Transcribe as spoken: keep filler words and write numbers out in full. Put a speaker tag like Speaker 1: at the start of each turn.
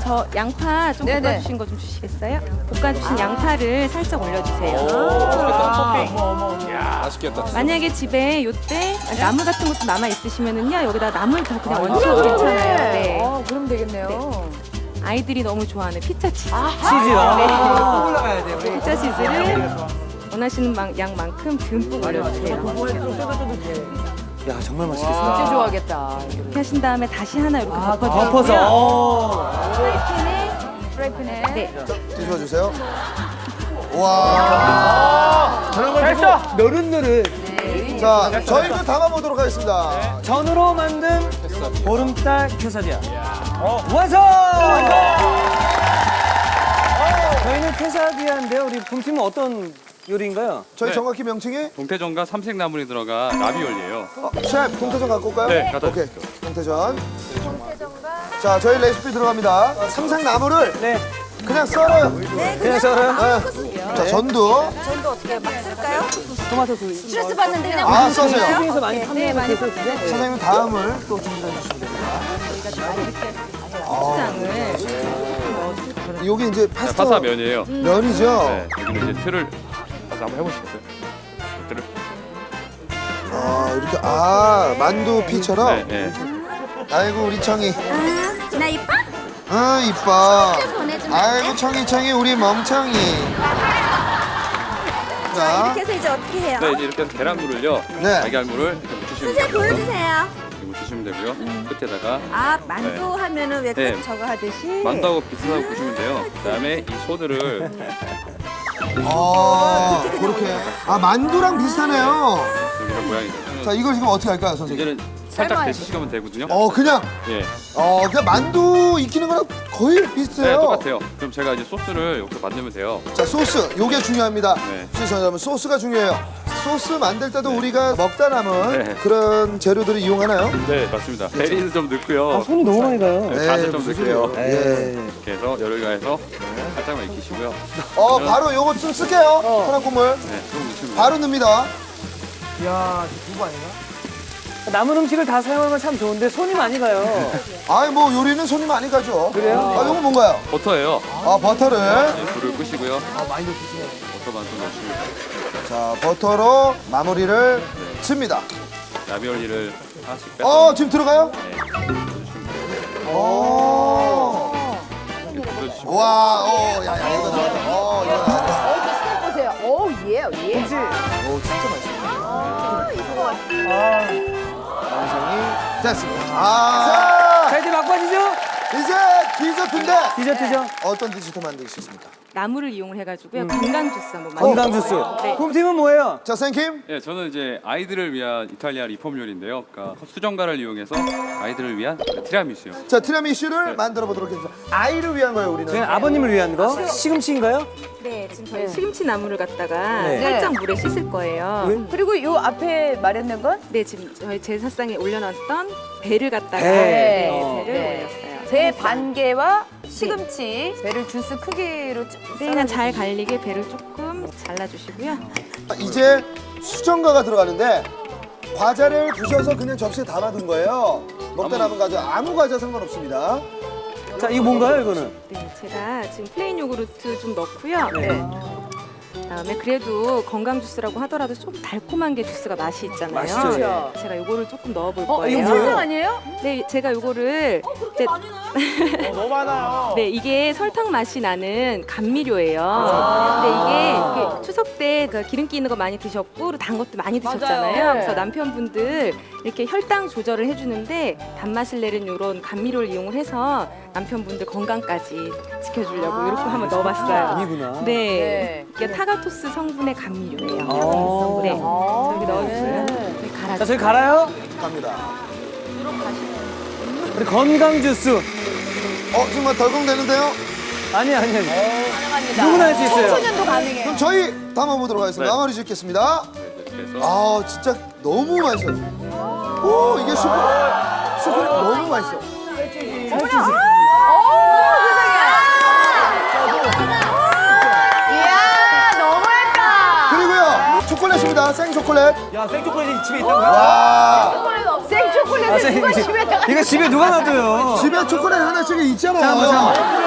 Speaker 1: 저 양파 좀
Speaker 2: 네네.
Speaker 1: 볶아주신 거 좀 주시겠어요? 볶아주신 양파를 살짝 올려주세요.
Speaker 3: 맛있겠다.
Speaker 1: 만약에 집에 요때 나물 같은 것도 남아 있으시면은요 여기다 나물 더 그냥 얹혀도 괜찮아요. 네.
Speaker 2: 어, 그럼 되겠네요.
Speaker 1: 아이들이 너무 좋아하는 피자 치즈.
Speaker 4: 치즈요? 아, 올라가야 돼요.
Speaker 1: 피자 치즈를 원하시는 만- 양만큼 듬뿍 올려주세요.
Speaker 4: 야, 정말 맛있겠다.
Speaker 2: 진짜 좋아하겠다.
Speaker 1: 이렇게 하신 다음에 다시 하나 이렇게
Speaker 4: 덮어서.
Speaker 1: 덮어주시고요.
Speaker 4: 어.
Speaker 1: 프라이팬에
Speaker 2: 프라이팬에.
Speaker 1: 네.
Speaker 5: 뒤집어주세요. 와.
Speaker 4: 됐어. 노릇노릇.
Speaker 5: 자, 저희도 담아보도록 하겠습니다.
Speaker 4: 전으로 만든 보름달 퀘사디아. 완성! 저희는 퀘사디아인데요. 우리 봄팀은 어떤 요리인가요?
Speaker 5: 저희
Speaker 6: 네.
Speaker 5: 정확히 명칭이
Speaker 6: 동태전과 삼색나물이 들어간 라비올리예요.
Speaker 5: 어, 셰프 동태전 갖고 올까요?
Speaker 6: 네, 갖다
Speaker 5: 오케이. 동태전. 자, 저희 레시피 들어갑니다. 삼색나물을
Speaker 4: 네.
Speaker 5: 그냥 썰어요.
Speaker 4: 그냥 썰어요?
Speaker 5: 네. 자, 전도.
Speaker 2: 전도 어떻게 막 쓸까요?
Speaker 4: 토마토 소스.
Speaker 2: 스트레스 받는데 그냥
Speaker 5: 아, 써세요.
Speaker 4: 시중에서 많이 판매하는 그 소스죠?
Speaker 5: 선생님 다음을 또 준비해 주시면 됩니다.
Speaker 1: 고추장을
Speaker 5: 여기 이제
Speaker 6: 자,
Speaker 5: 파스타
Speaker 6: 파스타 면이에요.
Speaker 5: 면이죠.
Speaker 6: 네, 여기는 이제 틀을 파스타 한번 해보시겠어요? 틀을.
Speaker 5: 아, 이렇게 아 만두 피처럼.
Speaker 6: 네, 네.
Speaker 5: 아이고 우리 청이.
Speaker 7: 나 이뻐?
Speaker 5: 아 이뻐.
Speaker 7: 보내주면 안
Speaker 5: 아이고 청이 청이 우리 멍청이. 자,
Speaker 7: 이렇게 해서 이제 어떻게 해요?
Speaker 6: 네, 이제 이렇게 해서 계란물을요.
Speaker 5: 네.
Speaker 6: 달걀물을 이렇게 묻히시면
Speaker 7: 선생님
Speaker 6: 되고요.
Speaker 7: 보여주세요.
Speaker 6: 이렇게 묻히시면 되고요. 끝에다가
Speaker 7: 아 만두 하면은 왜
Speaker 6: 네.
Speaker 7: 꼭 저거 하듯이?
Speaker 6: 만두하고 비슷하고 보시면 돼요. 그다음에 이 소들을
Speaker 5: 아 그렇게. 아 만두랑 비슷하네요.
Speaker 6: 이런 모양이 돼요.
Speaker 5: 자 이걸 지금 어떻게 할까요, 선생님?
Speaker 6: 이제는 살짝
Speaker 2: 삶아야지.
Speaker 6: 데치시면 되거든요.
Speaker 5: 어 그냥
Speaker 6: 예,
Speaker 5: 어 그냥 만두 익히는 거랑 거의
Speaker 6: 네,
Speaker 5: 비슷해요.
Speaker 6: 똑같아요. 그럼 제가 이제 소스를 여기서 만들면 돼요.
Speaker 5: 자 소스 요게 중요합니다.
Speaker 6: 네.
Speaker 5: 시청자 여러분 소스가 중요해요. 소스 만들 때도 우리가 먹다 남은
Speaker 6: 네.
Speaker 5: 그런 재료들을 이용하나요?
Speaker 6: 네, 맞습니다. 베리는 좀 넣고요.
Speaker 4: 아, 손이 너무 많이 가요.
Speaker 6: 네, 간을 좀
Speaker 5: 무슨
Speaker 6: 넣을게요.
Speaker 5: 소리예요? 예.
Speaker 6: 이렇게 해서 열을 가해서 살짝만 익히시고요.
Speaker 5: 어 바로 요거 좀 쓸게요. 혼합 국물
Speaker 6: 네, 좀 넣으시면
Speaker 5: 바로 넣습니다.
Speaker 4: 이야, 두부 아닌가? 남은 음식을 다 사용하는 건 참 좋은데 손이 많이 가요.
Speaker 5: 아이 뭐 요리는 손이 많이 가죠.
Speaker 4: 그래요?
Speaker 5: 아 요거 뭔가요?
Speaker 6: 버터예요.
Speaker 5: 아 버터를.
Speaker 6: 네, 불을 끄시고요. 많이 넣으시네요. 버터만 좀 넣으시면 돼요.
Speaker 5: 자 버터로 마무리를 칩니다.
Speaker 6: 라비올리를 하나씩 빼서
Speaker 5: 어 지금 들어가요?
Speaker 6: 네, 넣어주시면 돼요.
Speaker 5: 오.
Speaker 6: 이렇게 불러주시면
Speaker 5: 와, 오, 야, 야, 이거 나왔다. 어, 이거 나왔다.
Speaker 2: 어, 저 스냅 보세요. 오, 예, 예.
Speaker 5: 오, 진짜 맛있어. 완성이 됐습니다.
Speaker 4: 자,
Speaker 5: 아,
Speaker 4: 이제 막바지죠?
Speaker 5: 이제 디저트인데
Speaker 4: 디저트죠?
Speaker 5: 어떤 디저트 만드시겠습니까?
Speaker 1: 나물을 이용을 해가지고요 건강 주스 한번 만들어.
Speaker 4: 건강 주스.
Speaker 1: 네.
Speaker 4: 봄팀은 뭐예요?
Speaker 5: 자, 생킴.
Speaker 6: 예, 저는 이제 아이들을 위한 이탈리아 리폼 요리인데요. 그러니까 수정가를 이용해서 아이들을 위한 티라미수요.
Speaker 5: 자, 티라미슈를 만들어 보도록 하겠습니다. 아이를 위한 거예요, 우리는.
Speaker 4: 저희는 아버님을 위한 거. 시금치인가요?
Speaker 1: 네, 지금 저희 시금치 나물을 갖다가
Speaker 4: 네.
Speaker 1: 살짝 물에 씻을 거예요.
Speaker 4: 왜?
Speaker 2: 그리고 요 앞에 마련된 건?
Speaker 1: 네, 지금 저희 제사상에 올려놨던 배를 갖다가
Speaker 4: 배.
Speaker 1: 네,
Speaker 4: 어.
Speaker 1: 배를
Speaker 2: 네.
Speaker 1: 올렸어요.
Speaker 2: 배 반 개와 시금치, 배를 주스 크기로 쭉
Speaker 1: 네, 그냥 잘 갈리게 배를 조금 잘라주시고요.
Speaker 5: 이제 수정과가 들어가는데 과자를 부셔서 그냥 접시에 담아둔 거예요. 먹다 남은 과자, 아무 과자 상관없습니다.
Speaker 4: 자, 이거 뭔가요, 이거는?
Speaker 1: 네, 제가 지금 플레인 요구르트 좀 넣고요.
Speaker 4: 네.
Speaker 1: 그다음에 그래도 건강 주스라고 하더라도 좀 달콤한 게 주스가 맛이 있잖아요.
Speaker 4: 맛있죠, 예.
Speaker 2: 그렇죠.
Speaker 1: 제가 요거를 조금 넣어볼
Speaker 2: 어,
Speaker 1: 거예요.
Speaker 2: 이거 설탕 아니에요?
Speaker 1: 네, 제가 요거를 이제
Speaker 3: 너무 많아요.
Speaker 1: 네, 이게 설탕 맛이 나는 감미료예요.
Speaker 2: 아.
Speaker 1: 근데 이게, 이게 추석 때 그 기름기 있는 거 많이 드셨고 그리고 단 것도 많이 드셨잖아요.
Speaker 2: 맞아요.
Speaker 1: 그래서 남편분들 이렇게 혈당 조절을 해주는데 단맛을 내는 이런 감미료를 이용을 해서 남편분들 건강까지 지켜주려고 이렇게 한번 넣어봤어요.
Speaker 4: 아니구나.
Speaker 1: 네,
Speaker 2: 네.
Speaker 1: 이게 타가토스 성분의 감미료예요.
Speaker 4: 아.
Speaker 1: 네,
Speaker 2: 아,
Speaker 1: 저기 넣어주세요.
Speaker 2: 네.
Speaker 1: 저기 갈아주세요.
Speaker 4: 자, 저희 갈아요.
Speaker 5: 갑니다.
Speaker 4: 우리 건강 주스.
Speaker 5: 어, 정말 덜컹대는데요?
Speaker 4: 아니, 아니, 아니.
Speaker 2: 가능합니다.
Speaker 4: 누구나 할 수 있어요.
Speaker 2: 청소년도 가능해요.
Speaker 5: 그럼 저희 담아보도록 하겠습니다.
Speaker 6: 네.
Speaker 5: 마무리 짓겠습니다.
Speaker 6: 네, 이렇게 해서
Speaker 5: 아, 진짜 너무 맛있어요. 오, 이게 슈퍼, 슈퍼 너무 맛있어.
Speaker 2: 이야, 너무했다.
Speaker 5: 그리고요, 초콜릿입니다. 생초콜릿.
Speaker 4: 야, 생초콜릿이 집에 있다고요?
Speaker 5: 와.
Speaker 2: 생초 초콜릿을 누가 집에
Speaker 4: 이거 집에 누가 놔둬요?
Speaker 5: 집에 초콜릿 하나씩 있잖아요.
Speaker 4: 잠깐만, 잠깐만.